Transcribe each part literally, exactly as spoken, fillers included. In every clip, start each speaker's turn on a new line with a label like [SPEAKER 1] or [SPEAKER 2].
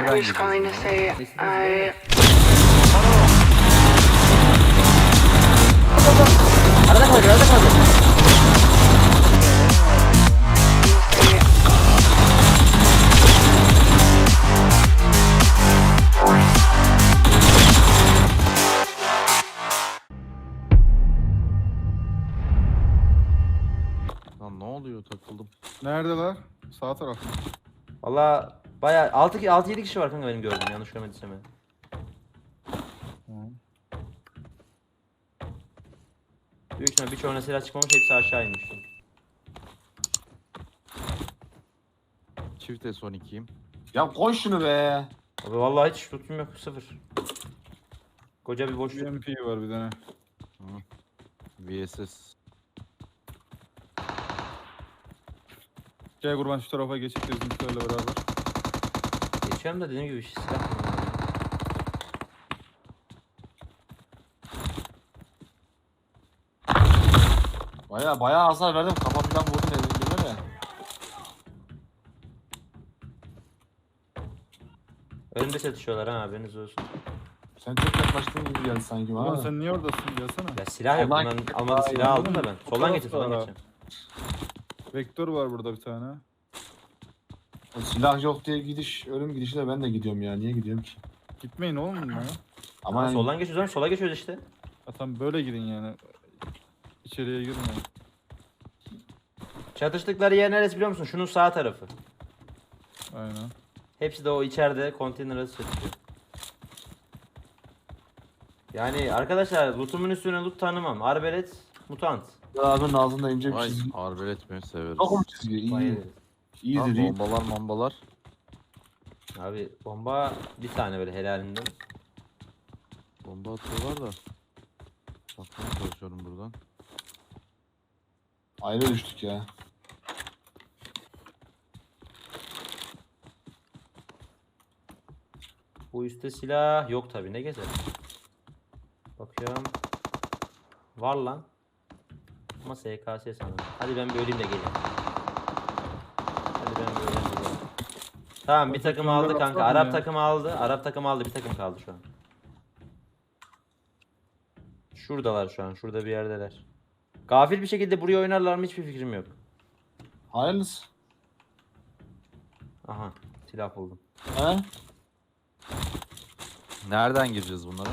[SPEAKER 1] nereden gireceğiz?
[SPEAKER 2] Arada kaldı, arada kaldı.
[SPEAKER 1] Lan ne oluyor, takıldım.
[SPEAKER 3] Neredeler? Sağ taraf mı?
[SPEAKER 2] Valla bayağı altı altı yedi kişi var kanka benim gördüğüm, yanlış görmediysem ben.
[SPEAKER 3] Tamam.
[SPEAKER 2] Büyük ihtimalle birçoğuna silah çıkmamış, hepsi aşağı inmiş.
[SPEAKER 1] Çift S on ikiyim.
[SPEAKER 4] Ya koy şunu be.
[SPEAKER 2] Abi vallahi hiç tutum yok, sıfır. Koca bir boşluk.
[SPEAKER 3] B M P var bir tane.
[SPEAKER 1] V S S.
[SPEAKER 3] Gel kurban şu tarafa geçip bizimkilerle beraber.
[SPEAKER 2] Geçiyorum da dediğim gibi silah kullanıyorum.
[SPEAKER 4] Baya baya hasar verdim. Kafa falan vurdum elimde de.
[SPEAKER 2] Önümde çatışıyorlar ha, haberiniz olsun.
[SPEAKER 4] Sen çok yaklaştığın gibi geldi sanki bana.
[SPEAKER 3] Ulan
[SPEAKER 4] da.
[SPEAKER 3] sen niye oradasın? Gelsene.
[SPEAKER 2] Ya silah yok,
[SPEAKER 4] Soldan
[SPEAKER 2] bundan
[SPEAKER 4] git.
[SPEAKER 2] almadı
[SPEAKER 4] Ay,
[SPEAKER 2] silah aldım da ben.
[SPEAKER 3] Bu
[SPEAKER 2] Soldan
[SPEAKER 3] taraf
[SPEAKER 2] geçin, soldan
[SPEAKER 3] var.
[SPEAKER 2] geçin.
[SPEAKER 3] Vektör var burada bir tane.
[SPEAKER 4] O silah yok diye gidiş, ölüm gidişi de ben de gidiyorum ya. Niye gidiyorum ki?
[SPEAKER 3] Gitmeyin oğlum bununla ya.
[SPEAKER 4] Ama
[SPEAKER 2] Ama
[SPEAKER 4] yani,
[SPEAKER 2] soldan geçiyoruz ama sola geçiyoruz işte.
[SPEAKER 3] Ya tam böyle gidin yani. İçeriye girmeyin.
[SPEAKER 2] Çatıştıkları yer neresi biliyor musun? Şunun sağ tarafı.
[SPEAKER 3] Aynen.
[SPEAKER 2] Hepsi de o içeride konteyner arası çatışıyor. Yani arkadaşlar lootumun üstüne loot tanımam. Arbelet, mutant.
[SPEAKER 4] abinin ağzında ince bir
[SPEAKER 1] Ay
[SPEAKER 4] çizgi.
[SPEAKER 1] arbelet mi severiz.
[SPEAKER 4] Yok mu çizgi? İyi.
[SPEAKER 2] Bayılırız.
[SPEAKER 4] İyi
[SPEAKER 1] Lan
[SPEAKER 4] değil.
[SPEAKER 1] bombalar mambalar.
[SPEAKER 2] Abi bomba bir tane böyle helalinden.
[SPEAKER 1] Bomba atıyorlar da. Bakmaya çalışıyorum buradan.
[SPEAKER 4] Ayrı düştük ya.
[SPEAKER 2] Bu üstte silah yok tabi, ne gezer. Bakıyorum. Var lan. Ama S K S sanırım. Hadi ben bir öleyim de geleyim. Hadi ben bir öleyim de geleyim. Tamam, bir takım aldı kanka.
[SPEAKER 3] Bakmadın
[SPEAKER 2] Arap
[SPEAKER 3] ya.
[SPEAKER 2] takımı aldı. Arap takımı aldı. Bir takım kaldı şu an. Şuradalar şu an. Şurada bir yerdeler. Gafil bir şekilde buraya oynarlar mı hiçbir fikrim yok.
[SPEAKER 4] Hayırlısı.
[SPEAKER 2] Aha, silah buldum.
[SPEAKER 4] He?
[SPEAKER 1] Nereden gireceğiz bunlara?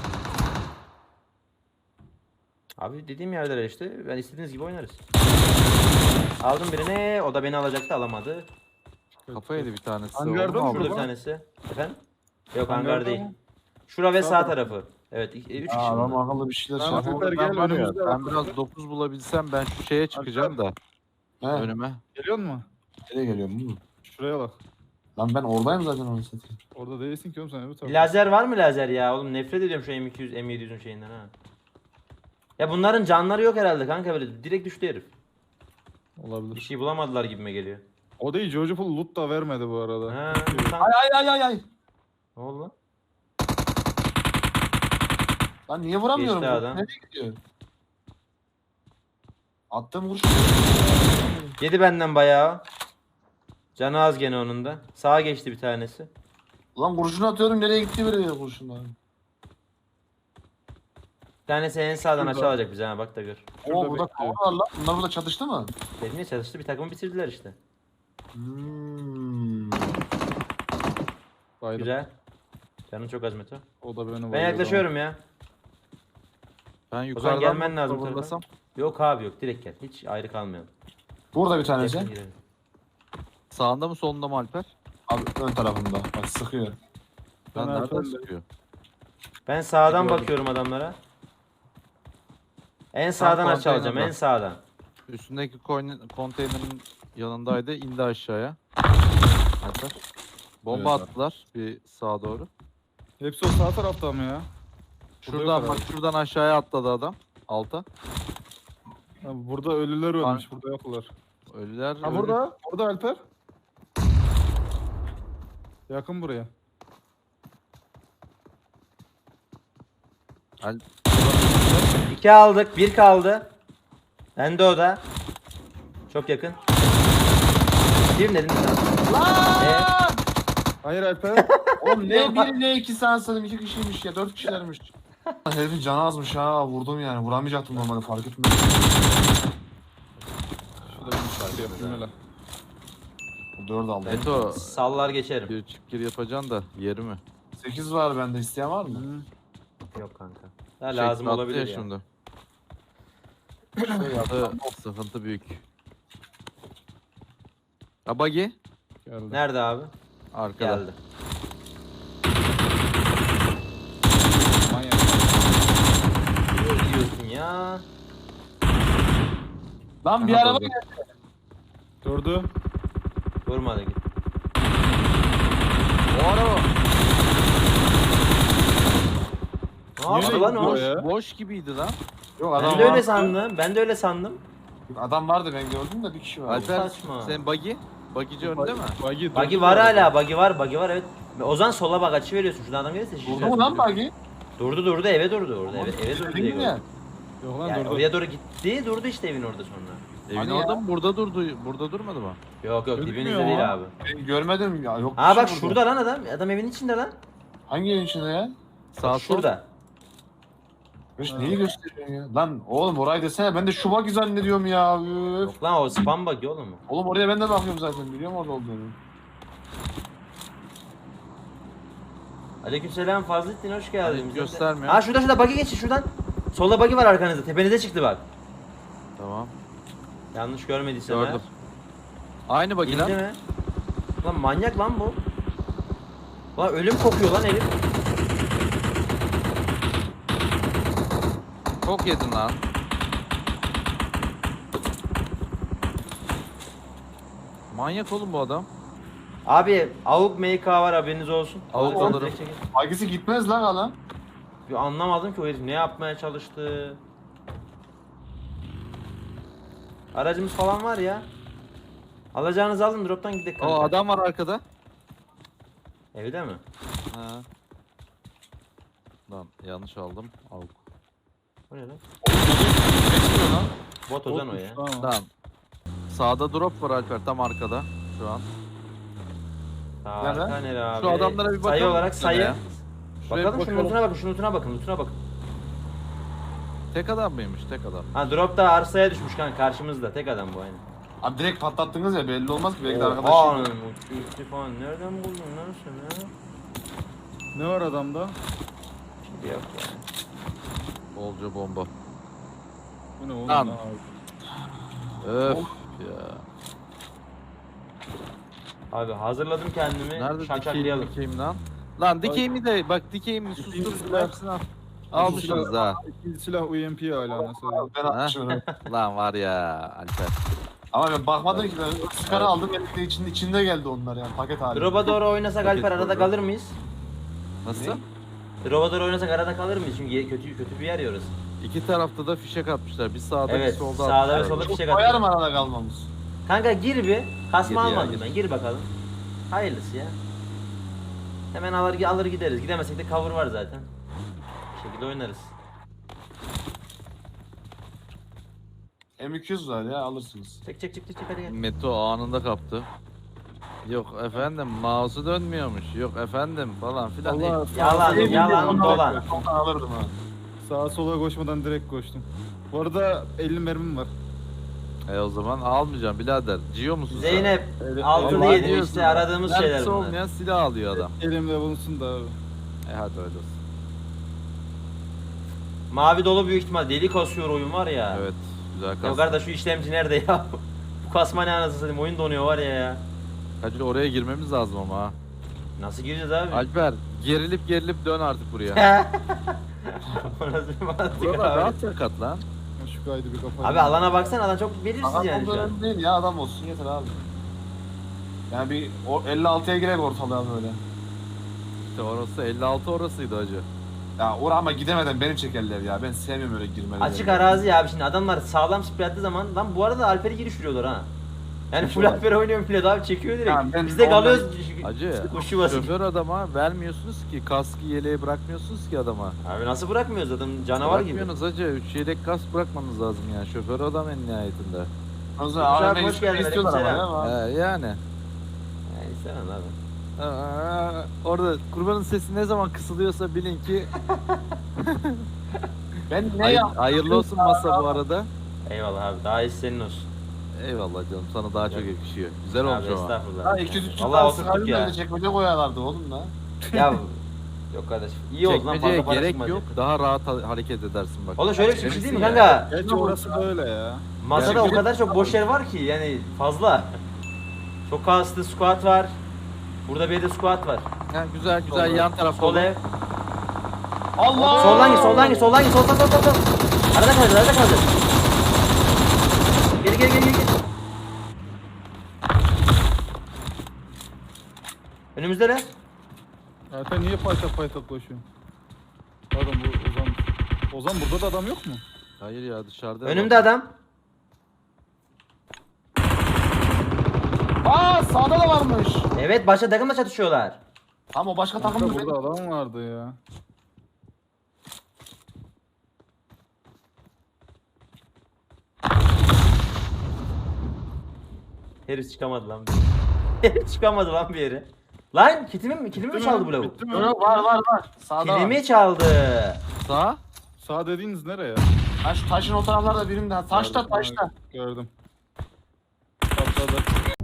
[SPEAKER 2] Abi dediğim yerdeler işte. Ben istediğiniz gibi oynarız. Aldım birini. O da beni alacaktı, alamadı.
[SPEAKER 1] Kafa yedi bir tanesi.
[SPEAKER 3] Hangarda
[SPEAKER 1] Onu mu
[SPEAKER 3] mı?
[SPEAKER 2] Şurada bir
[SPEAKER 1] aldın?
[SPEAKER 2] tanesi. Efendim? Yok,
[SPEAKER 3] Hangarda
[SPEAKER 2] hangar değil.
[SPEAKER 3] mı?
[SPEAKER 2] Şura ve
[SPEAKER 3] Sağ
[SPEAKER 2] sağ
[SPEAKER 3] tarafı.
[SPEAKER 2] tarafı. Evet, iki- üç kişi
[SPEAKER 4] Aa, adam
[SPEAKER 2] bunlar.
[SPEAKER 4] akıllı bir şeyler şey
[SPEAKER 3] Tamam,
[SPEAKER 4] yapıyor.
[SPEAKER 3] Alper
[SPEAKER 1] Ben,
[SPEAKER 3] gel,
[SPEAKER 1] var ya,
[SPEAKER 3] önümüzde
[SPEAKER 1] ben
[SPEAKER 3] bak.
[SPEAKER 1] biraz dokuz bulabilsem ben şu şeye çıkacağım da
[SPEAKER 4] He.
[SPEAKER 1] önüme.
[SPEAKER 3] Geliyor mu?
[SPEAKER 4] Nereye geliyorum bu?
[SPEAKER 3] Şuraya bak.
[SPEAKER 4] Lan ben oradayım zaten onu satayım.
[SPEAKER 3] Orada değilsin ki oğlum sen öbür tarafta.
[SPEAKER 2] Lazer var mı lazer ya? Oğlum nefret ediyorum şu M iki yüz, M yedi yüzün şeyinden ha. Ya bunların canları yok herhalde kanka, böyle direkt düştü herif. Bir
[SPEAKER 3] Olabilir.
[SPEAKER 2] şey bulamadılar gibime geliyor.
[SPEAKER 3] O değil, Jojo Full loot da vermedi bu arada.
[SPEAKER 2] Ha,
[SPEAKER 3] Evet.
[SPEAKER 2] tam-
[SPEAKER 4] Ay ay ay ay ay.
[SPEAKER 2] Ne oldu lan?
[SPEAKER 4] Lan niye vuramıyorum?
[SPEAKER 2] Geçti
[SPEAKER 4] Bu
[SPEAKER 2] adam.
[SPEAKER 4] Nereye gidiyor? Attığım vuruş.
[SPEAKER 2] Yedi benden bayağı. Canı az gene onun da. Sağa geçti bir tanesi.
[SPEAKER 4] Lan kurşunu atıyorum, nereye gitti böyle kurşunlar?
[SPEAKER 2] Bir tanesi en sağdan
[SPEAKER 3] Şurada.
[SPEAKER 2] aşağı alacak bize ha, bak da gör.
[SPEAKER 3] Şurada
[SPEAKER 4] Oo burada
[SPEAKER 3] bekliyor.
[SPEAKER 4] kavga var lan. Bunlar burada çatıştı mı?
[SPEAKER 2] Dedim ya, çalıştı, bir takımı bitirdiler işte.
[SPEAKER 4] Hmm.
[SPEAKER 3] Baydım.
[SPEAKER 2] Güzel. Canın çok az Meto.
[SPEAKER 3] O da beni
[SPEAKER 2] Ben
[SPEAKER 3] bayıldı
[SPEAKER 2] yaklaşıyorum ya.
[SPEAKER 1] Ben yukarıdan
[SPEAKER 2] gelmen
[SPEAKER 1] mı
[SPEAKER 2] lazım bu
[SPEAKER 1] fırlasam?
[SPEAKER 2] Yok abi yok, direkt gel. Hiç ayrı kalmayalım.
[SPEAKER 4] Burada bir tanesi.
[SPEAKER 2] Yakın girelim.
[SPEAKER 1] Sağında mı solunda mı Alper?
[SPEAKER 4] Abi ön tarafında. Bak sıkıyor.
[SPEAKER 1] Ben
[SPEAKER 3] Ben
[SPEAKER 1] nereden
[SPEAKER 3] Alper'le-
[SPEAKER 1] sıkıyor?
[SPEAKER 2] Ben sağdan
[SPEAKER 3] Gördüm.
[SPEAKER 2] bakıyorum adamlara. En sağdan aşağı alacağım, en
[SPEAKER 1] konteynerden.
[SPEAKER 2] sağdan.
[SPEAKER 1] Üstündeki koyn- konteynerin yanındaydı, indi aşağıya. Alper. Bomba
[SPEAKER 3] Evet.
[SPEAKER 1] attılar bir sağa doğru.
[SPEAKER 3] Hepsi o sağ tarafta mı ya?
[SPEAKER 1] Şuradan
[SPEAKER 3] yok
[SPEAKER 1] bak, şuradan aşağıya atladı adam. Alta.
[SPEAKER 3] Ha, burada ölüler ölmüş, burada yoklar.
[SPEAKER 1] Ölüler.
[SPEAKER 3] Ha
[SPEAKER 1] ölü-
[SPEAKER 3] burada, burada Alper. Yakın buraya.
[SPEAKER 1] Al-
[SPEAKER 2] İki aldık, bir kaldı. Bende o da. Çok yakın. Bir dedim sana. Ee,
[SPEAKER 3] Hayır Alper.
[SPEAKER 4] O Oğlum ne biri ne iki sansadım iki kişiymiş ya dört kişilermiş. Herifin canı azmış ha vurdum yani vuramayacaktım normalde fark etmedim.
[SPEAKER 3] Şurada bir şarkı yapayım hele.
[SPEAKER 4] dört aldım.
[SPEAKER 1] Eto
[SPEAKER 2] Sallar geçerim.
[SPEAKER 1] bir çift gir yapacaksın da yeri mi?
[SPEAKER 4] sekiz var bende isteyen var mı?
[SPEAKER 3] Hı.
[SPEAKER 2] Yok kanka. Ya lazım
[SPEAKER 1] Şekli attı
[SPEAKER 2] olabilir ya.
[SPEAKER 1] Şimdi.
[SPEAKER 4] Şöyle yaptım.
[SPEAKER 1] Sıkıntı, sıkıntı büyük. Ha buggy
[SPEAKER 3] Geldi.
[SPEAKER 2] Nerede abi?
[SPEAKER 1] arkada.
[SPEAKER 2] Geldi.
[SPEAKER 3] Manyak.
[SPEAKER 2] Niye gidiyorsun ya?
[SPEAKER 4] Lan bir
[SPEAKER 1] Aha,
[SPEAKER 4] araba
[SPEAKER 1] durdu.
[SPEAKER 3] Durdu.
[SPEAKER 2] Durmadı git.
[SPEAKER 1] O araba
[SPEAKER 2] Ne yaptı lan o?
[SPEAKER 3] gidiyor ya?
[SPEAKER 1] boş gibiydi lan.
[SPEAKER 4] Yok
[SPEAKER 2] Ben
[SPEAKER 4] adam
[SPEAKER 2] de öyle
[SPEAKER 4] var.
[SPEAKER 2] sandım. Ben de öyle sandım.
[SPEAKER 4] Adam vardı ben gördüm de bir kişi var.
[SPEAKER 1] Alper
[SPEAKER 2] saçma.
[SPEAKER 1] sen buggy? Buggyci önünde mi?
[SPEAKER 3] Buggy durdu.
[SPEAKER 2] Buggy var hala. Buggy var. Buggy var evet. Ozan sola bak açı veriyorsun. Şuradan adam gelirse
[SPEAKER 4] Durdu
[SPEAKER 2] şişeceğiz.
[SPEAKER 4] mu lan bagi?
[SPEAKER 2] Durdu durdu eve durdu orada. Eve, eve durdu diye
[SPEAKER 4] Dedim ya.
[SPEAKER 2] gördüm.
[SPEAKER 3] Yok lan
[SPEAKER 2] Yani
[SPEAKER 3] durdu.
[SPEAKER 2] oraya doğru gitti. Durdu işte evin orada sonra.
[SPEAKER 1] Evin
[SPEAKER 4] Hani
[SPEAKER 1] orada
[SPEAKER 4] ya?
[SPEAKER 1] mı? Burada durdu. Burada durmadı mı?
[SPEAKER 2] Yok yok
[SPEAKER 3] Gözükmüyor
[SPEAKER 2] dibinizde değil
[SPEAKER 3] ama.
[SPEAKER 2] abi.
[SPEAKER 4] Ben görmedim ya yok.
[SPEAKER 2] Aa
[SPEAKER 4] bir şey
[SPEAKER 2] bak
[SPEAKER 4] burada.
[SPEAKER 2] şurada lan adam. Adam evin içinde lan.
[SPEAKER 4] Hangi evin içinde ya?
[SPEAKER 1] Sağ
[SPEAKER 2] Bak
[SPEAKER 1] sol.
[SPEAKER 2] şurada.
[SPEAKER 4] Beş
[SPEAKER 3] Ha.
[SPEAKER 4] neyi gösteriyorsun ya? Lan oğlum orayı desene ben de şu bagi zannediyorum ya. Üf.
[SPEAKER 2] Yok lan o spam bug oğlum mu?
[SPEAKER 4] Oğlum oraya ben de bakıyorum zaten biliyorum orada olduğunu.
[SPEAKER 2] Aleykümselam Fazlettin hoş geldin.
[SPEAKER 1] Hani
[SPEAKER 2] Bize de-
[SPEAKER 1] göstermiyor.
[SPEAKER 2] Aa şurada şurada buggy geçin şuradan. Solda buggy var arkanızda. Tepenize çıktı bak.
[SPEAKER 1] Tamam.
[SPEAKER 2] Yanlış görmediysem
[SPEAKER 1] Gördüm. Aynı buggy
[SPEAKER 2] İndi
[SPEAKER 1] lan.
[SPEAKER 2] mi? Lan manyak lan bu. Lan ölüm kokuyor lan herif.
[SPEAKER 1] Çok yedin lan. Manyak oğlum bu adam.
[SPEAKER 2] Abi avuk M K var haberiniz olsun.
[SPEAKER 1] Avuk
[SPEAKER 2] Alırsan
[SPEAKER 1] alırım.
[SPEAKER 2] direkt çekin.
[SPEAKER 4] Bagisi gitmez lan adam.
[SPEAKER 2] Bir anlamadım ki o herif ne yapmaya çalıştı. Aracımız falan var ya. Alacağınızı alın drop'tan gidelim kanka.
[SPEAKER 1] O adam var arkada.
[SPEAKER 2] Evde mi?
[SPEAKER 1] Ha. Lan yanlış aldım. Al.
[SPEAKER 2] O ne lan?
[SPEAKER 1] Geçmiyor lan.
[SPEAKER 2] Bot Ozan o ya.
[SPEAKER 3] Tamam.
[SPEAKER 1] Tamam. Sağda drop var Alper tam arkada şu an.
[SPEAKER 2] Harika nere abi?
[SPEAKER 1] Şu adamlara bir
[SPEAKER 2] Sayı
[SPEAKER 1] bakalım
[SPEAKER 2] olarak
[SPEAKER 1] şuna
[SPEAKER 2] sayı.
[SPEAKER 1] ya.
[SPEAKER 3] Şuraya
[SPEAKER 2] Bakalım
[SPEAKER 3] bir
[SPEAKER 2] şunun
[SPEAKER 3] bakalım.
[SPEAKER 2] lootuna bakın, şunun lootuna bakın, lootuna bakın.
[SPEAKER 1] Tek adam mıymış tek adam?
[SPEAKER 2] Ha drop da arsaya düşmüş kanka karşımızda. Tek adam bu aynı.
[SPEAKER 4] Abi direkt patlattınız ya belli olmaz ki belki de
[SPEAKER 2] Oha,
[SPEAKER 4] arkadaşım.
[SPEAKER 2] uçtu falan. Nereden buldun lan sen ha?
[SPEAKER 3] Ne var adamda?
[SPEAKER 2] Şimdi yok ya.
[SPEAKER 1] Bolca bomba.
[SPEAKER 3] Bu ne oğlum?
[SPEAKER 1] Lan.
[SPEAKER 3] ya?
[SPEAKER 1] Öf ya.
[SPEAKER 2] Abi hazırladım kendimi.
[SPEAKER 1] Nerede dikeyim
[SPEAKER 2] Şakşaklayalım.
[SPEAKER 1] dikeyim lan? Lan dikeyimi de bak dikeyimi sustur
[SPEAKER 3] silah.
[SPEAKER 1] hepsini al. Almışsınız ha.
[SPEAKER 3] İkinci silah U M P hala nasıl öyle?
[SPEAKER 4] Ben atmışım.
[SPEAKER 1] Lan var ya Alper.
[SPEAKER 4] Ama ben bakmadım ki ben skara aldım elinde içinde içinde geldi onlar yani paket halinde.
[SPEAKER 2] Drop'a doğru oynasak
[SPEAKER 1] Paket
[SPEAKER 2] Alper arada
[SPEAKER 1] koydu.
[SPEAKER 2] kalır mıyız?
[SPEAKER 1] Nasıl?
[SPEAKER 4] Ne?
[SPEAKER 2] Drop'a doğru oynasak arada kalır mıyız? Çünkü ye- kötü kötü bir yer ya orası.
[SPEAKER 1] İki tarafta da fişek atmışlar. Bir sağda
[SPEAKER 2] Evet,
[SPEAKER 1] bir solda
[SPEAKER 2] sağda ve
[SPEAKER 1] atmışlar.
[SPEAKER 2] solda
[SPEAKER 4] Çok
[SPEAKER 2] fişek
[SPEAKER 4] koyar
[SPEAKER 2] atıyor.
[SPEAKER 4] mı arada kalmamız?
[SPEAKER 2] Kanka gir bir. Kasma
[SPEAKER 1] Gir ya,
[SPEAKER 2] almadım
[SPEAKER 1] gir.
[SPEAKER 2] ben. Gir bakalım. Hayırlısı ya. Hemen alır alır gideriz. Gidemezsek de cover var zaten. Bir şekilde oynarız.
[SPEAKER 4] M iki yüz var ya alırsınız.
[SPEAKER 2] Çek çek çek çek çek, hadi gel.
[SPEAKER 1] Meto anında kaptı. Yok efendim mouse'u dönmüyormuş. Yok efendim falan filan.
[SPEAKER 3] Allah
[SPEAKER 2] Yalan,
[SPEAKER 3] sağa-
[SPEAKER 2] yalan, dolan.
[SPEAKER 4] Ondan alırdım ha.
[SPEAKER 3] Sağa sola koşmadan direkt koştum. Bu arada elli mermim var.
[SPEAKER 1] E o zaman almayacağım birader. Ciyo musun sen?
[SPEAKER 2] Zeynep
[SPEAKER 3] Öyle-
[SPEAKER 2] altılı
[SPEAKER 1] Vallahi
[SPEAKER 2] yedi
[SPEAKER 1] diyorsun
[SPEAKER 2] işte
[SPEAKER 1] ha.
[SPEAKER 2] aradığımız
[SPEAKER 1] Mermisi
[SPEAKER 2] şeyler bunlar.
[SPEAKER 1] olmayan silah alıyor adam.
[SPEAKER 3] Elimde bulunsun da abi.
[SPEAKER 1] E hadi öyle olsun.
[SPEAKER 2] Mavi dolu büyük ihtimal deli kasıyor oyun var ya.
[SPEAKER 1] Evet güzel
[SPEAKER 2] Ya
[SPEAKER 1] kastı.
[SPEAKER 2] kardeş şu işlemci nerede ya? Bu kasma ne anasını satayım oyun donuyor var ya ya.
[SPEAKER 1] Hacı oraya girmemiz lazım ama ha.
[SPEAKER 2] Nasıl gireceğiz abi?
[SPEAKER 1] Alper gerilip gerilip dön artık buraya.
[SPEAKER 2] O nasıl bir mantık
[SPEAKER 1] Burada
[SPEAKER 2] abi?
[SPEAKER 1] rahat sakat lan.
[SPEAKER 3] Şu kaydı bir kapat.
[SPEAKER 2] Abi alana baksana alan çok belirsiz
[SPEAKER 4] Adam
[SPEAKER 2] yani şu an.
[SPEAKER 4] olduğu değil ya adam olsun yeter abi. Yani bir o elli altıya girek ortalığa böyle.
[SPEAKER 1] İşte orası elli altı orasıydı hacı.
[SPEAKER 4] Ya oraya ama gidemeden beni çekerler ya. Ben sevmiyorum öyle girmeleri.
[SPEAKER 2] Açık arazi ya abi şimdi adamlar sağlam sprey attığı zaman lan bu arada Alper'i giriş vuruyorlar ha. Yani full Alper oynuyor millet abi çekiyor direkt.
[SPEAKER 4] Ya ben
[SPEAKER 2] Biz de
[SPEAKER 4] ondan-
[SPEAKER 2] kalıyoruz.
[SPEAKER 1] Hacı
[SPEAKER 2] Kuşu basın.
[SPEAKER 1] şoför adama vermiyorsunuz ki kaskı yeleği bırakmıyorsunuz ki adama.
[SPEAKER 2] Abi nasıl bırakmıyoruz adam canavar gibi.
[SPEAKER 1] Bırakmıyorsunuz hacı. üç yedek kask bırakmanız lazım yani. Şoför adam en nihayetinde.
[SPEAKER 4] O zaman
[SPEAKER 2] Hoş
[SPEAKER 4] A V M
[SPEAKER 2] geldin,
[SPEAKER 4] istiyorlar ama
[SPEAKER 2] aleykümselam.
[SPEAKER 4] ya.
[SPEAKER 1] He yani.
[SPEAKER 2] Yani istemem abi.
[SPEAKER 1] Aa, orada kurbanın sesi ne zaman kısılıyorsa bilin ki
[SPEAKER 4] Ben ne
[SPEAKER 1] hay-
[SPEAKER 4] yaptım?
[SPEAKER 1] hayırlı olsun masa bu arada.
[SPEAKER 2] Eyvallah abi. Daha iyisi senin olsun.
[SPEAKER 1] Eyvallah canım, sana daha çok
[SPEAKER 2] Evet.
[SPEAKER 1] yakışıyor. Güzel
[SPEAKER 2] Abi
[SPEAKER 1] olmuş ama.
[SPEAKER 2] estağfurullah.
[SPEAKER 4] Ha iki yüz üç yüz
[SPEAKER 2] Vallahi
[SPEAKER 4] tane
[SPEAKER 2] oturttuk
[SPEAKER 4] sıkardım
[SPEAKER 2] ya.
[SPEAKER 4] öyle çekmece koyarlardı oğlum da.
[SPEAKER 2] Ya yok kardeş. İyi oldu lan,
[SPEAKER 1] Çekmeceye
[SPEAKER 2] fazla para
[SPEAKER 1] gerek
[SPEAKER 2] çıkmadı.
[SPEAKER 1] yok. Daha rahat ha- hareket edersin bak.
[SPEAKER 2] Oğlum şöyle bir şey
[SPEAKER 1] Eminsin
[SPEAKER 2] değil mi
[SPEAKER 1] ya.
[SPEAKER 2] kanka?
[SPEAKER 3] Gerçi orası böyle ya.
[SPEAKER 2] Masada
[SPEAKER 1] Yani-
[SPEAKER 2] o kadar çok boş yer var ki yani fazla. Çok kastı squat var. Burada bir de squat var.
[SPEAKER 1] Ha, güzel güzel
[SPEAKER 2] Sol-
[SPEAKER 1] yan tarafta.
[SPEAKER 2] Sol
[SPEAKER 1] olur.
[SPEAKER 2] ev.
[SPEAKER 4] Allah!
[SPEAKER 2] Soldan git, soldan git, soldan git, sol sol sol sol sol. Arada kalacağız, arada kalacağız. Geri geri geri geri. Önümüzde ne?
[SPEAKER 3] Zaten niye paytak paytak koşuyorsun? Pardon bu Ozan. Ozan burada da adam yok mu?
[SPEAKER 1] Hayır ya, dışarıda.
[SPEAKER 2] Önümde adam.
[SPEAKER 4] Aa sağda da varmış.
[SPEAKER 2] Evet, başka takımla çatışıyorlar.
[SPEAKER 4] Tamam o başka takım
[SPEAKER 3] Burada,
[SPEAKER 4] mı?
[SPEAKER 3] burada adam vardı ya.
[SPEAKER 2] Herif çıkamadı lan bir yere. Herif çıkamadı lan bir yere. Lan kitimi mi, kilimi mi
[SPEAKER 3] Bitti
[SPEAKER 2] çaldı
[SPEAKER 3] mi?
[SPEAKER 2] bu lavuk?
[SPEAKER 3] Bitti mi?
[SPEAKER 4] Yok yok var var var. Sağda var.
[SPEAKER 2] Kilimi çaldı.
[SPEAKER 1] Sağ.
[SPEAKER 3] Sağ dediğiniz nereye?
[SPEAKER 4] Taş, taşın o taraflarda birim daha. Taşta
[SPEAKER 3] Gördüm,
[SPEAKER 4] taşta.
[SPEAKER 3] Gördüm. Patladı.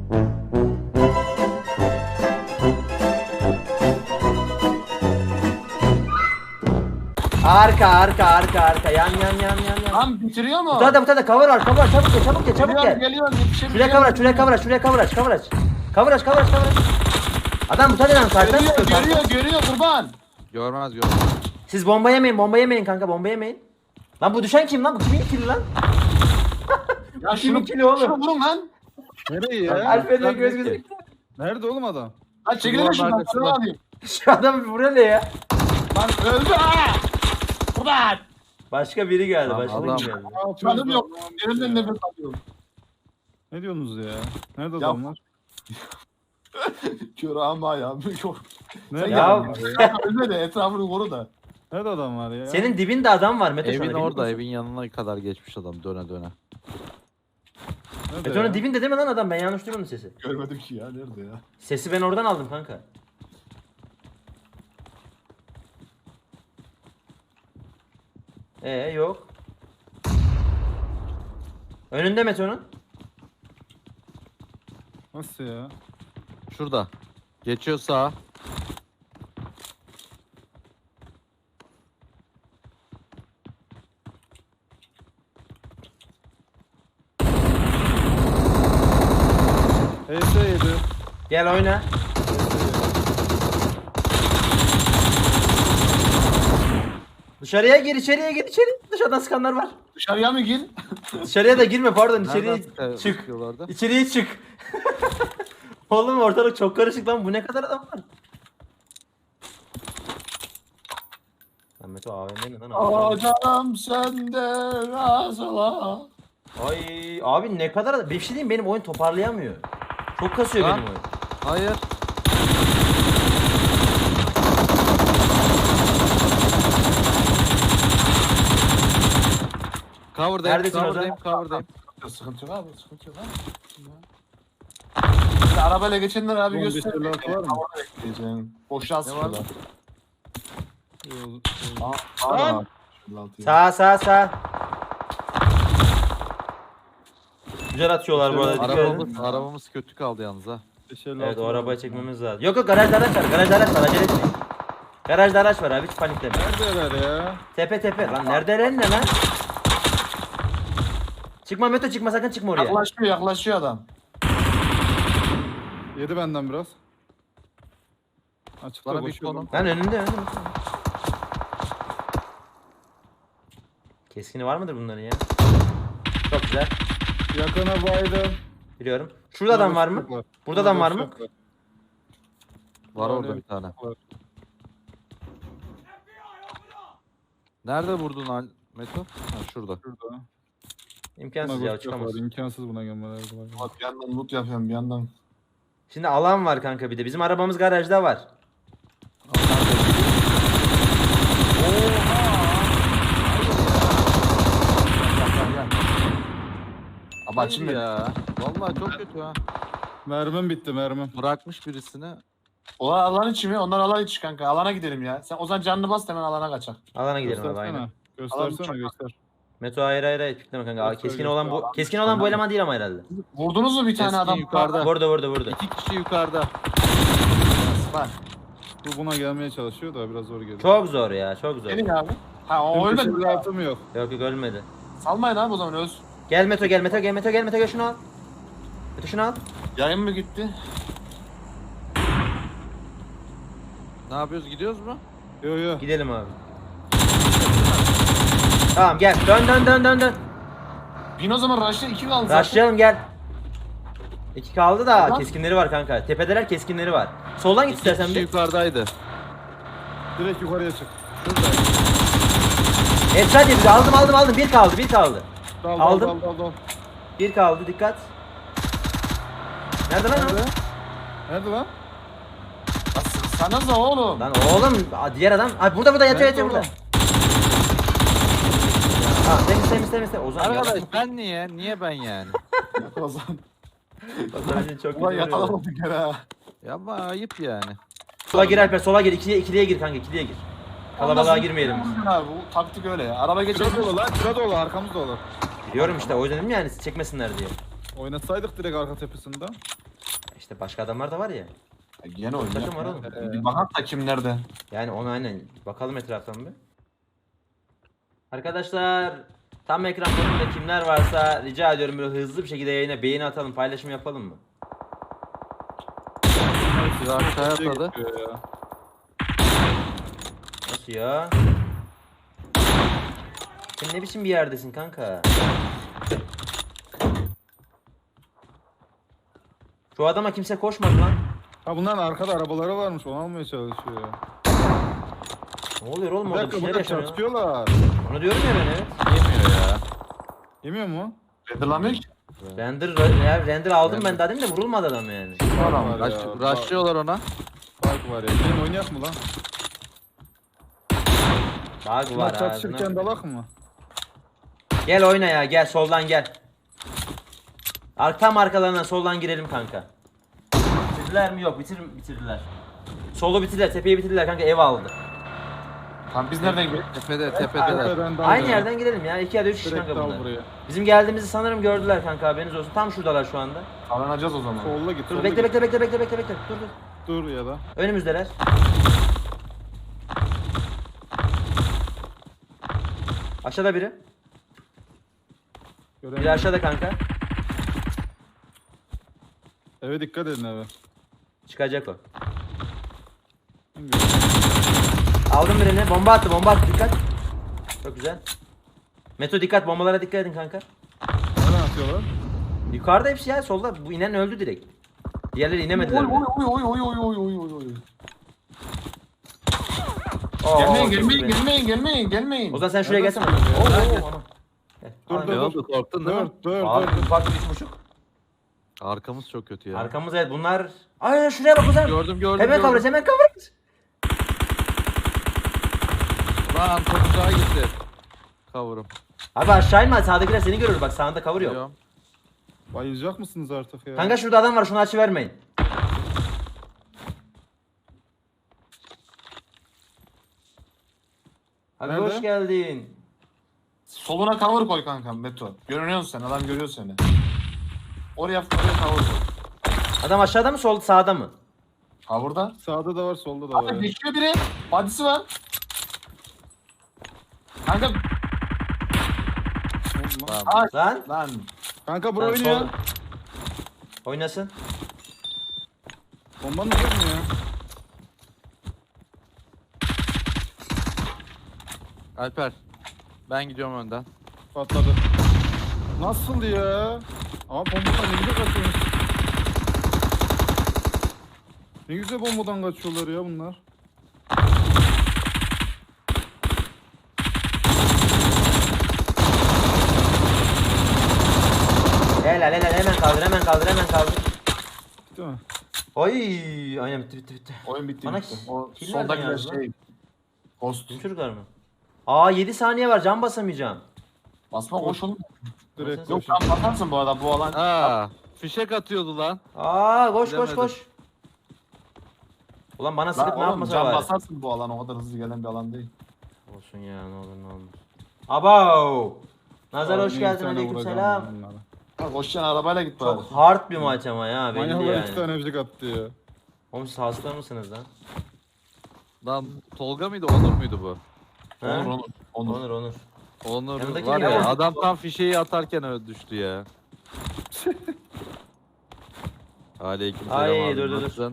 [SPEAKER 2] Arka arka arka arka yan yan yan yan yan.
[SPEAKER 4] Lan bitiriyor mu?
[SPEAKER 2] Bu tarafa bu tarafa cover var, cover var, çabuk gel, çabuk gel, çabuk
[SPEAKER 4] Geliyorum
[SPEAKER 2] gel.
[SPEAKER 4] geliyorum yetişebiliyorum.
[SPEAKER 2] Şuraya cover aç, şuraya cover aç, şuraya cover aç, cover aç. Cover aç, cover aç, cover aç. Adam bu tarafadan karşıdan
[SPEAKER 4] Görüyor
[SPEAKER 2] sıkıyor.
[SPEAKER 4] görüyor görüyor kurban.
[SPEAKER 1] Görmez görmez.
[SPEAKER 2] Siz bomba yemeyin, bomba yemeyin kanka, bomba yemeyin. Lan bu düşen kim lan? Bu kimin kili lan?
[SPEAKER 4] Ya
[SPEAKER 2] Kimin
[SPEAKER 4] şunu
[SPEAKER 2] kili oğlum?
[SPEAKER 4] şunu vurun lan.
[SPEAKER 3] Nereye ya?
[SPEAKER 2] Alfred'e göz
[SPEAKER 1] Nerede
[SPEAKER 2] göz.
[SPEAKER 1] ki?
[SPEAKER 3] Nerede oğlum adam?
[SPEAKER 4] Lan çekilin
[SPEAKER 1] Duvarın
[SPEAKER 4] şuradan.
[SPEAKER 1] arkasında.
[SPEAKER 4] Şunu alayım.
[SPEAKER 2] Şu adam bir buraya ne ya?
[SPEAKER 4] Lan öldü ha. Kurban.
[SPEAKER 2] Başka biri geldi,
[SPEAKER 1] Lan
[SPEAKER 2] başka
[SPEAKER 1] adam-
[SPEAKER 2] biri geldi.
[SPEAKER 3] Ne yapıyorsunuz
[SPEAKER 4] Canım yok.
[SPEAKER 3] lan?
[SPEAKER 4] Elimden
[SPEAKER 3] Ya.
[SPEAKER 4] nefes alıyorum.
[SPEAKER 3] Ne diyorsunuz ya? Nerede
[SPEAKER 4] Ya-
[SPEAKER 3] adamlar?
[SPEAKER 4] Kör ama ya. Yok.
[SPEAKER 3] Nerede
[SPEAKER 2] Ya-
[SPEAKER 3] adam var ya?
[SPEAKER 4] Ölme de etrafını koru da.
[SPEAKER 3] Nerede adam var ya?
[SPEAKER 2] Senin dibinde adam var Mete şu
[SPEAKER 1] Evin
[SPEAKER 2] anda.
[SPEAKER 1] orada, evin yanına kadar geçmiş adam döne döne.
[SPEAKER 3] Nerede
[SPEAKER 2] Mete'nin
[SPEAKER 3] ya?
[SPEAKER 2] dibinde değil mi lan adam? Ben yanlış duymadım sesi.
[SPEAKER 4] Görmedim ki ya. Nerede ya?
[SPEAKER 2] Sesi ben oradan aldım kanka. Ee yok. Önünde Mete'nin.
[SPEAKER 3] Nasıl ya?
[SPEAKER 1] Şurada. Geçiyor sağa.
[SPEAKER 3] H S yedi.
[SPEAKER 2] Gel oyna. Dışarıya gir, içeriye gir, içeri. Dışarıdan sıkanlar var.
[SPEAKER 4] Dışarıya mı gir?
[SPEAKER 2] Dışarıya da girme pardon, içeriye
[SPEAKER 1] Nereden sıkı-
[SPEAKER 2] çık.
[SPEAKER 1] sıkıyorlardı?
[SPEAKER 2] İçeriye çık. Oğlum ortalık çok karışık lan. Bu ne kadar adam var? Lan Meto A V M ne lan?
[SPEAKER 4] Aa canım sende razıla.
[SPEAKER 2] Ay abi ne kadar adam. Bir şey diyeyim, benim oyun toparlayamıyor. Çok kasıyor
[SPEAKER 1] Lan.
[SPEAKER 2] benim oyun.
[SPEAKER 1] Hayır. Cover'dayım,
[SPEAKER 2] Neredesin
[SPEAKER 1] cover'dayım,
[SPEAKER 2] Ozan?
[SPEAKER 1] cover'dayım.
[SPEAKER 4] Sıkıntı yok abi, sıkıntı yok abi. Ya. Arabayla geçenler abi
[SPEAKER 3] on beş
[SPEAKER 4] göster.
[SPEAKER 3] elli altı var mı?
[SPEAKER 4] Havada bekleyeceğim. Boşluğa sıkıyorlar.
[SPEAKER 3] Yok,
[SPEAKER 4] Aa,
[SPEAKER 3] Lan!
[SPEAKER 4] aa, elli altı ya.
[SPEAKER 2] Sağ sağ sağ. Güzel atıyorlar bu arada. dikkat edin.
[SPEAKER 1] Arabamız, arabamız kötü kaldı yalnız ha.
[SPEAKER 3] beş elli
[SPEAKER 2] Evet
[SPEAKER 3] altı
[SPEAKER 2] o
[SPEAKER 3] var.
[SPEAKER 2] arabayı çekmemiz lazım. Yok yok garajda araç var. Garajda araç var. Acele etmeyin. Garajda araç var abi, hiç panikleme.
[SPEAKER 3] Neredeler ya?
[SPEAKER 2] Tepe tepe. Lan nerede lan ne lan? Çıkma Meto, çıkma sakın, çıkma oraya.
[SPEAKER 4] Yaklaşıyor yaklaşıyor adam.
[SPEAKER 3] Yedi benden biraz. Açıkta
[SPEAKER 1] Bana bir
[SPEAKER 3] koşuyor.
[SPEAKER 1] konum.
[SPEAKER 2] Lan önünde önünde. Keskini var mıdır bunların ya? Çok güzel.
[SPEAKER 3] Yakına baydım.
[SPEAKER 2] Biliyorum. Şurada adam var mı? Burada adam var mı?
[SPEAKER 3] Boşluk
[SPEAKER 1] Var
[SPEAKER 3] Yani
[SPEAKER 1] orada bir tane.
[SPEAKER 3] var.
[SPEAKER 1] Nerede vurdun Al Meto? Ha, şurada.
[SPEAKER 3] Şurada.
[SPEAKER 2] İmkansız
[SPEAKER 3] Buna
[SPEAKER 2] ya,
[SPEAKER 3] boşluk
[SPEAKER 2] çıkamaz.
[SPEAKER 3] var, İmkansız buna gömmeler. kolay.
[SPEAKER 4] Bak bir yandan loot yapıyorum bir yandan.
[SPEAKER 2] Şimdi alan var kanka bir de. Bizim arabamız garajda var.
[SPEAKER 4] Ama
[SPEAKER 1] Hayır
[SPEAKER 4] şimdi
[SPEAKER 1] ya. Vallahi çok kötü ha.
[SPEAKER 3] Mermim bitti mermim.
[SPEAKER 1] Bırakmış birisini.
[SPEAKER 4] O alan içi mi? Onlar alan içi kanka. Alana gidelim ya. Sen o zaman canını bas hemen alana kaçak.
[SPEAKER 2] Alana gidelim abi
[SPEAKER 3] Göstersene.
[SPEAKER 2] aynen.
[SPEAKER 3] Göstersene
[SPEAKER 4] Alalım.
[SPEAKER 3] göster.
[SPEAKER 2] Meto hayır hayır hayır pikleme kanka. Aa,
[SPEAKER 3] Göster,
[SPEAKER 2] keskin
[SPEAKER 3] göster.
[SPEAKER 2] olan bu
[SPEAKER 4] Alan
[SPEAKER 2] keskin
[SPEAKER 4] dışı
[SPEAKER 2] olan bu
[SPEAKER 4] kanka.
[SPEAKER 2] eleman değil ama herhalde.
[SPEAKER 4] Vurdunuz mu bir tane
[SPEAKER 1] Keskin
[SPEAKER 4] adam?
[SPEAKER 1] yukarıda.
[SPEAKER 2] Vurdu vurdu vurdu.
[SPEAKER 1] İki kişi yukarıda.
[SPEAKER 4] Bak.
[SPEAKER 3] Bu buna gelmeye çalışıyor da biraz zor geliyor.
[SPEAKER 2] Çok zor ya çok zor.
[SPEAKER 4] Gelin abi. Ha o
[SPEAKER 3] Benim
[SPEAKER 4] ölmedi.
[SPEAKER 3] peşimde altım yok.
[SPEAKER 2] Yok yok ölmedi.
[SPEAKER 4] Salmayın abi o zaman ölsün.
[SPEAKER 2] Gel Meto gel Meto gel Meto gel Meto gel şunu al. Meto şunu al.
[SPEAKER 4] Yayın mı gitti?
[SPEAKER 1] Ne yapıyoruz? Gidiyoruz mu?
[SPEAKER 3] Yo yo.
[SPEAKER 2] Gidelim abi. Tamam gel dön dön dön dön dön.
[SPEAKER 4] Bin o zaman Rush'ta iki kaldı zaten.
[SPEAKER 2] Rushlayalım gel. İki kaldı da
[SPEAKER 4] Tamam.
[SPEAKER 2] keskinleri var kanka. Tepedeler keskinleri var. Soldan git
[SPEAKER 1] İki
[SPEAKER 2] istersen
[SPEAKER 1] kişi
[SPEAKER 2] bir.
[SPEAKER 1] yukarıdaydı.
[SPEAKER 3] Direkt yukarıya çık.
[SPEAKER 1] Şurada.
[SPEAKER 2] Headshot yedi. Aldım aldım aldım. Bir kaldı bir kaldı.
[SPEAKER 3] Dal,
[SPEAKER 2] Aldım.
[SPEAKER 3] Dal, dal, dal, dal.
[SPEAKER 2] Bir kaldı dikkat. Nerede lan o?
[SPEAKER 3] Nerede? Nerede lan?
[SPEAKER 4] Sana da oğlum.
[SPEAKER 2] Lan oğlum aa, diğer adam. Ay burada burada yatıyor
[SPEAKER 3] Nerede
[SPEAKER 2] yatıyor burada.
[SPEAKER 3] oğlum?
[SPEAKER 2] Ha temiz temiz temiz temiz. Ozan
[SPEAKER 1] Arkadaş
[SPEAKER 2] ya.
[SPEAKER 1] ben niye? Niye ben yani?
[SPEAKER 4] O zaman.
[SPEAKER 2] Ozan için çok
[SPEAKER 4] Ulan
[SPEAKER 2] kötü.
[SPEAKER 4] yakalamadık gene ha.
[SPEAKER 1] Ya ama ayıp yani.
[SPEAKER 2] Sola gir Alper sola gir. İkiliye, ikiliye gir kanka ikiliye gir. Kalabalığa
[SPEAKER 4] Ondan
[SPEAKER 2] girmeyelim biz.
[SPEAKER 4] sonra Abi, bu taktik öyle ya. Araba
[SPEAKER 3] Şura
[SPEAKER 4] geçelim.
[SPEAKER 3] dolu lan. Şura dolu. Arkamız dolu.
[SPEAKER 2] Biliyorum işte o yüzden dedim yani siz çekmesinler diye.
[SPEAKER 3] Oynatsaydık direkt arka tepesinden.
[SPEAKER 2] İşte başka adamlar da var ya.
[SPEAKER 4] Gene oyun.
[SPEAKER 2] Takım var oğlum.
[SPEAKER 4] Bir- Bir bakak da kim nerede?
[SPEAKER 2] Yani onu aynen bakalım etraftan bir. Arkadaşlar tam ekran konumunda kimler varsa rica ediyorum böyle hızlı bir şekilde yayına beğeni atalım paylaşım yapalım mı?
[SPEAKER 1] Sizi aşağıya
[SPEAKER 3] Şey
[SPEAKER 1] atladı.
[SPEAKER 3] gidiyor ya.
[SPEAKER 2] Nasıl ya? Sen ne biçim bir yerdesin kanka? Şu adama kimse koşmadı lan.
[SPEAKER 3] Ha bunların arkada arabaları varmış. Onu almaya çalışıyor ya.
[SPEAKER 2] Ne oluyor oğlum
[SPEAKER 3] Bir
[SPEAKER 2] orada bir
[SPEAKER 3] dakika
[SPEAKER 2] şeyler
[SPEAKER 3] burada
[SPEAKER 2] yaşanıyor.
[SPEAKER 3] çarpışıyorlar.
[SPEAKER 2] Onu diyorum ya ben evet.
[SPEAKER 1] Yemiyor ya.
[SPEAKER 3] Yemiyor mu?
[SPEAKER 4] Renderlamıyor ki.
[SPEAKER 2] Render, ya render aldım ben daha demin de vurulmadı adam yani.
[SPEAKER 3] Adam var
[SPEAKER 1] Raş,
[SPEAKER 3] ya.
[SPEAKER 1] raşlıyorlar ona.
[SPEAKER 3] Fark var ya. Benim oynayak mı lan?
[SPEAKER 2] Bug
[SPEAKER 3] Bunlar
[SPEAKER 2] var
[SPEAKER 3] çatışırken
[SPEAKER 2] ağzına.
[SPEAKER 3] dalak mı?
[SPEAKER 2] Gel oyna ya gel soldan gel. Ar tam arkalarına soldan girelim kanka. Bitirdiler mi? Yok bitir bitirdiler. Solu bitirdiler, tepeyi bitirdiler kanka ev aldı.
[SPEAKER 4] Tamam biz nereden gidelim?
[SPEAKER 1] Tepede, tepedeler.
[SPEAKER 3] Tepeden dal
[SPEAKER 2] Aynı
[SPEAKER 3] ya.
[SPEAKER 2] yerden girelim ya. iki ya da üç kişi
[SPEAKER 3] Direkt
[SPEAKER 2] kanka
[SPEAKER 3] dal
[SPEAKER 2] bunlar.
[SPEAKER 3] buraya.
[SPEAKER 2] Bizim geldiğimizi sanırım gördüler kanka haberiniz olsun. Tam şuradalar şu anda.
[SPEAKER 4] Aranacağız o zaman.
[SPEAKER 3] Solla git.
[SPEAKER 2] Dur
[SPEAKER 3] solla
[SPEAKER 2] bekle
[SPEAKER 3] git.
[SPEAKER 2] bekle bekle bekle bekle bekle. Dur dur.
[SPEAKER 3] Dur ya da.
[SPEAKER 2] Önümüzdeler. Aşağıda biri. Biri
[SPEAKER 3] Göremedim.
[SPEAKER 2] aşağıda kanka.
[SPEAKER 3] Eve dikkat edin eve.
[SPEAKER 2] Çıkacak o. Aldım birini. Bomba attı bomba attı dikkat. Çok güzel. Meto dikkat bombalara dikkat edin kanka.
[SPEAKER 3] Nereden atıyorlar?
[SPEAKER 2] Yukarıda hepsi ya solda. Bu inen öldü direkt. Diğerleri inemediler.
[SPEAKER 4] Oy
[SPEAKER 2] bile.
[SPEAKER 4] oy oy oy oy oy oy oy oy.
[SPEAKER 2] Oo,
[SPEAKER 4] Gelmeyin
[SPEAKER 2] çok
[SPEAKER 4] gelmeyin
[SPEAKER 2] güzel.
[SPEAKER 4] gelmeyin gelmeyin gelmeyin.
[SPEAKER 2] O zaman sen şuraya
[SPEAKER 3] Nereden
[SPEAKER 2] gelsene. Oo,
[SPEAKER 3] söylüyor?
[SPEAKER 2] oo, anam. Gel,
[SPEAKER 3] Dur,
[SPEAKER 2] alayım.
[SPEAKER 3] dur,
[SPEAKER 1] Ne
[SPEAKER 3] dur.
[SPEAKER 1] oldu? Korktun değil
[SPEAKER 3] Dur
[SPEAKER 1] mi?
[SPEAKER 3] dur
[SPEAKER 2] Abi
[SPEAKER 3] dur.
[SPEAKER 2] ufak bir üç buçuk.
[SPEAKER 1] Arkamız çok kötü ya.
[SPEAKER 2] Arkamız evet bunlar. Ay şuraya bak o zaman.
[SPEAKER 1] Gördüm gördüm
[SPEAKER 2] Hemen
[SPEAKER 1] gördüm.
[SPEAKER 2] kavrayız hemen kavrayız.
[SPEAKER 1] Lan çok uzağa gitti. Kavurum.
[SPEAKER 2] Abi aşağı inme sağdakiler seni görür bak sağında cover yok.
[SPEAKER 1] Biliyorum.
[SPEAKER 3] Bayılacak mısınız artık ya?
[SPEAKER 2] Kanka şurada adam var şunu açı vermeyin. Abi
[SPEAKER 3] Nerede?
[SPEAKER 2] hoş geldin.
[SPEAKER 4] Soluna cover koy kankam Beto. Görünüyorsun sen adam görüyor seni. Oraya oraya cover koy.
[SPEAKER 2] Adam aşağıda mı sol sağda mı?
[SPEAKER 4] Cover'da.
[SPEAKER 3] Sağda da var solda da var.
[SPEAKER 4] Abi
[SPEAKER 3] ya.
[SPEAKER 4] geçiyor biri. Badisi var. Kanka
[SPEAKER 3] Oğlum lan.
[SPEAKER 1] Tamam.
[SPEAKER 4] Ay,
[SPEAKER 2] Lan.
[SPEAKER 4] lan.
[SPEAKER 3] Kanka bura
[SPEAKER 2] Lan
[SPEAKER 3] oynuyor.
[SPEAKER 2] sol. Oynasın.
[SPEAKER 3] Bombanın yok mu ya?
[SPEAKER 1] Alper. Ben gidiyorum önden.
[SPEAKER 3] Patladı. Nasıl ya? Ama bombadan ne güzel kaçıyor. Ne güzel bombadan kaçıyorlar ya bunlar.
[SPEAKER 2] Helal helal hemen kaldır hemen kaldır hemen kaldır.
[SPEAKER 3] Değil mi?
[SPEAKER 2] Oy aynen bitti bitti bitti.
[SPEAKER 4] Oyun bitti
[SPEAKER 2] Bana
[SPEAKER 4] bitti. O
[SPEAKER 2] kill nereden
[SPEAKER 4] soldakiler
[SPEAKER 2] yazdı lan?
[SPEAKER 4] şey. Ghost.
[SPEAKER 2] Tüm çocuklar mı? Aa yedi saniye var can basamayacağım.
[SPEAKER 4] Basma koş oğlum.
[SPEAKER 3] Direkt
[SPEAKER 2] Yok,
[SPEAKER 4] Yok
[SPEAKER 3] koşun.
[SPEAKER 4] sen bakarsın bu arada bu alan.
[SPEAKER 1] Aa, fişek atıyordu lan.
[SPEAKER 2] Aa koş koş
[SPEAKER 1] Bilemedim.
[SPEAKER 2] koş. Ulan bana
[SPEAKER 4] Lan
[SPEAKER 2] sıkıp ne
[SPEAKER 4] oğlum
[SPEAKER 2] yapmasa
[SPEAKER 4] can
[SPEAKER 2] var.
[SPEAKER 4] basarsın bu alan o kadar hızlı gelen bir alan değil.
[SPEAKER 2] Olsun ya ne olur ne olmaz. Abav. Nazar
[SPEAKER 3] Abi
[SPEAKER 2] hoş
[SPEAKER 3] bir
[SPEAKER 2] geldin,
[SPEAKER 3] tane
[SPEAKER 2] aleykümselam.
[SPEAKER 3] vuracağım bunlara.
[SPEAKER 4] Ha koşacaksın arabayla git bari.
[SPEAKER 2] Çok hard bir maç ama ya belli
[SPEAKER 3] Manyaklar iki
[SPEAKER 2] yani.
[SPEAKER 3] tane öpücük attı ya.
[SPEAKER 2] Oğlum siz hasta mısınız lan?
[SPEAKER 1] Lan Tolga mıydı Onur muydu bu?
[SPEAKER 2] He?
[SPEAKER 4] Onur Onur. Onur.
[SPEAKER 2] Onur Onur.
[SPEAKER 1] Onur
[SPEAKER 2] Yanındaki
[SPEAKER 1] var
[SPEAKER 2] kim
[SPEAKER 1] ya
[SPEAKER 2] ya?
[SPEAKER 1] adam tam fişeği atarken öyle düştü ya. Aleykümselam
[SPEAKER 2] Ay,
[SPEAKER 1] abi,
[SPEAKER 2] dur, dur, dur.
[SPEAKER 1] nasılsın?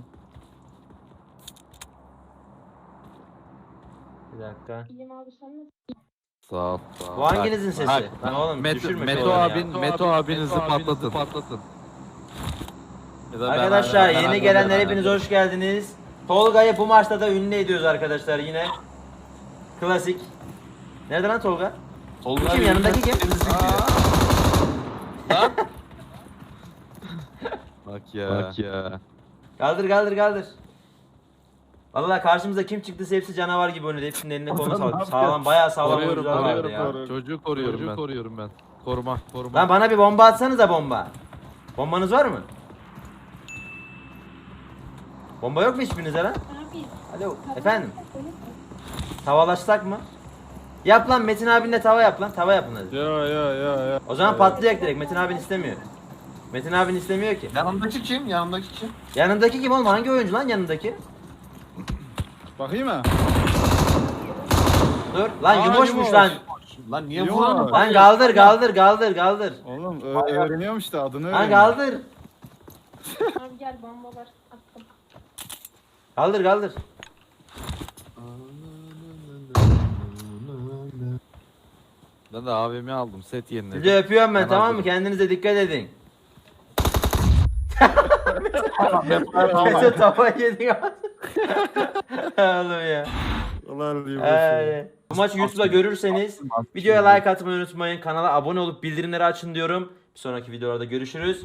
[SPEAKER 2] Bir dakika.
[SPEAKER 5] İyiyim abi sen nasılsın?
[SPEAKER 1] Sağ ol. Sağ ol.
[SPEAKER 2] Bu hanginizin
[SPEAKER 1] Bak,
[SPEAKER 2] sesi?
[SPEAKER 1] bak,
[SPEAKER 2] Lan oğlum
[SPEAKER 1] Meto,
[SPEAKER 2] düşürme
[SPEAKER 1] Meto
[SPEAKER 2] şuraları
[SPEAKER 1] abin,
[SPEAKER 2] ya.
[SPEAKER 1] Meto abinizi patlatın. patlatın. Ya da ben-
[SPEAKER 2] Arkadaşlar
[SPEAKER 1] ben- ben-
[SPEAKER 2] yeni
[SPEAKER 1] ben-
[SPEAKER 2] gelenler
[SPEAKER 1] ben-
[SPEAKER 2] hepiniz hoş geldiniz. Tolga'yı bu maçta da ünlü ediyoruz arkadaşlar yine. Klasik. Nerede lan Tolga?
[SPEAKER 4] Tolga
[SPEAKER 2] Kim,
[SPEAKER 4] abi,
[SPEAKER 2] yanındaki kim?
[SPEAKER 4] temizlik diye.
[SPEAKER 1] Bak ya. Bak ya.
[SPEAKER 2] Kaldır kaldır kaldır. Vallahi karşımıza kim çıktıysa hepsi canavar gibi oynadı. Hepsinin eline koluna
[SPEAKER 3] Ozan ne
[SPEAKER 2] sağlam.
[SPEAKER 3] yapıyor?
[SPEAKER 2] Sağlam bayağı sağlam
[SPEAKER 1] Koruyorum,
[SPEAKER 2] oyuncular vardı
[SPEAKER 1] koruyorum,
[SPEAKER 2] ya.
[SPEAKER 3] koruyorum.
[SPEAKER 1] Çocuğu koruyorum
[SPEAKER 3] Çocuğu
[SPEAKER 1] ben.
[SPEAKER 3] koruyorum
[SPEAKER 1] ben. Koruma, koruma.
[SPEAKER 2] Lan bana bir bomba atsanıza bomba. Bombanız var mı? Bomba yok mu hiçbirinizde lan?
[SPEAKER 5] Abi.
[SPEAKER 2] Alo efendim. Tavalaşsak mı? Yap lan Metin abinle tava yap lan. Tava yapın hadi.
[SPEAKER 3] Ya ya ya ya.
[SPEAKER 2] O zaman
[SPEAKER 3] Ya.
[SPEAKER 2] patlayacak direkt. Metin abin istemiyor. Metin abin istemiyor ki.
[SPEAKER 4] Yanındaki kim? Yanındaki kim?
[SPEAKER 2] Yanındaki kim oğlum? Hangi oyuncu lan yanındaki?
[SPEAKER 3] Bakayım ha.
[SPEAKER 2] Dur. Lan
[SPEAKER 3] Aa,
[SPEAKER 2] yumuşmuş
[SPEAKER 3] yumuş.
[SPEAKER 2] lan.
[SPEAKER 4] Lan niye
[SPEAKER 3] Yok.
[SPEAKER 4] vuramıyor?
[SPEAKER 2] Lan kaldır kaldır kaldır kaldır.
[SPEAKER 3] Oğlum ö- öğreniyormuş da adını
[SPEAKER 2] Lan
[SPEAKER 3] öğreniyor.
[SPEAKER 2] kaldır.
[SPEAKER 5] Abi gel bomba var. Attım.
[SPEAKER 2] Kaldır kaldır.
[SPEAKER 1] Ben de A V M aldım. Set yeniledim.
[SPEAKER 2] Sizi öpüyorum ben
[SPEAKER 1] Ben
[SPEAKER 2] tamam mı?
[SPEAKER 1] hazırım.
[SPEAKER 2] Kendinize dikkat edin.
[SPEAKER 4] Tamam.
[SPEAKER 2] Mesut tava yedin Oğlum ya.
[SPEAKER 3] Ulan diyeyim
[SPEAKER 2] Ay. Bu maçı YouTube'da görürseniz videoya like atmayı unutmayın. Kanala abone olup bildirimleri açın diyorum. Bir sonraki videolarda görüşürüz.